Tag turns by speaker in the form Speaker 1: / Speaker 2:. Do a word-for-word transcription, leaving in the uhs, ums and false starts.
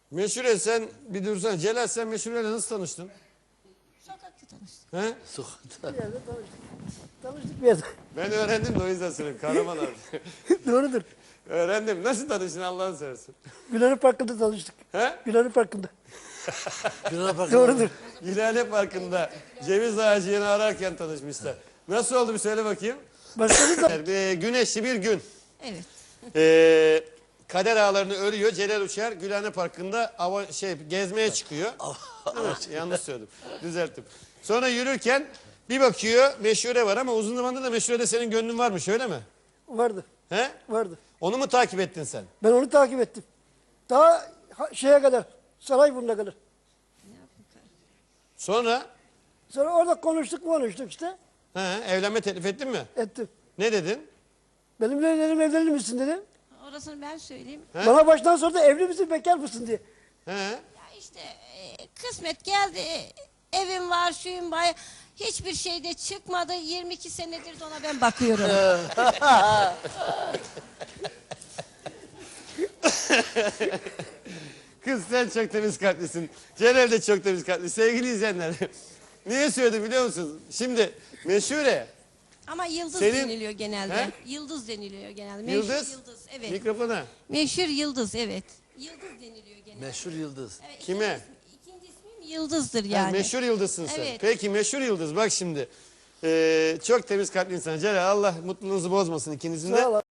Speaker 1: Meşhure sen bir dursana. Celal sen Meşhure'yle nasıl tanıştın?
Speaker 2: Sokakta tanıştık.
Speaker 1: He?
Speaker 3: Sokakta.
Speaker 4: Bir yerde tanıştık. Tanıştık bir yerde.
Speaker 1: Ben öğrendim de o yüzden söyleyeyim. Kahraman abi.
Speaker 4: Doğrudur.
Speaker 1: Öğrendim. Nasıl tanıştın Allah'ını seversen?
Speaker 4: Gülhane Parkı'nda tanıştık.
Speaker 1: He?
Speaker 4: Gülhane Parkı'nda.
Speaker 3: Güne bakın.
Speaker 4: Doğrudur.
Speaker 1: Gülhane Parkı'nda ceviz ağacını ararken tanışmışlar. Nasıl oldu bir söyle bakayım.
Speaker 4: Başladı da
Speaker 1: Ee, güneşli bir gün.
Speaker 2: Evet.
Speaker 1: Ee, kader ağlarını örüyor. Celal Uçar Gülhane Parkı'nda ava, şey gezmeye çıkıyor. Değil mi? Yanlış söyledim. Düzelttim. Sonra yürürken bir bakıyor Meşhure var ama uzun zamandır da Meşhure'de senin gönlün varmış öyle mi?
Speaker 4: vardı.
Speaker 1: He?
Speaker 4: Vardı.
Speaker 1: Onu mu takip ettin sen?
Speaker 4: Ben onu takip ettim. Daha ha- şeye kadar. Sarayburnu'na kadar.
Speaker 1: Sonra
Speaker 4: Sonra orada konuştuk konuştuk işte.
Speaker 1: he, evlenme teklif ettin mi?
Speaker 4: Ettim.
Speaker 1: Ne dedin?
Speaker 4: Benimle dedim evlenir misin dedim.
Speaker 2: Orasını ben söyleyeyim.
Speaker 1: He?
Speaker 4: Bana baştan sonra da evli misin bekar mısın diye.
Speaker 1: He?
Speaker 2: Ya işte e, kısmet geldi. Evim var, şuyum var. Hiçbir şeyde çıkmadı. yirmi iki senedir de ona ben bakıyorum.
Speaker 1: Kız sen çok temiz kalplisin. Celal de çok temiz kalpli. Sevgili izleyenler. Niye söyledim biliyor musunuz? Şimdi Meşhure.
Speaker 2: Ama yıldız
Speaker 1: Senin-
Speaker 2: deniliyor genelde.
Speaker 1: He?
Speaker 2: Yıldız deniliyor genelde. Meşhur
Speaker 1: Yıldız.
Speaker 2: yıldız. Evet.
Speaker 1: Mikrofona.
Speaker 2: Meşhur yıldız, evet. Yıldız deniliyor genelde.
Speaker 3: Meşhur yıldız.
Speaker 2: Evet,
Speaker 1: Kime?
Speaker 2: ikinci, ikinci ismim Yıldız'dır
Speaker 1: Ha,
Speaker 2: yani.
Speaker 1: meşhur yıldızsın sen.
Speaker 2: Evet.
Speaker 1: Peki meşhur yıldız bak şimdi. Ee, çok temiz kalpli insan. Celal Allah mutluluğunuzu bozmasın ikinizin de.
Speaker 4: Sağ ol.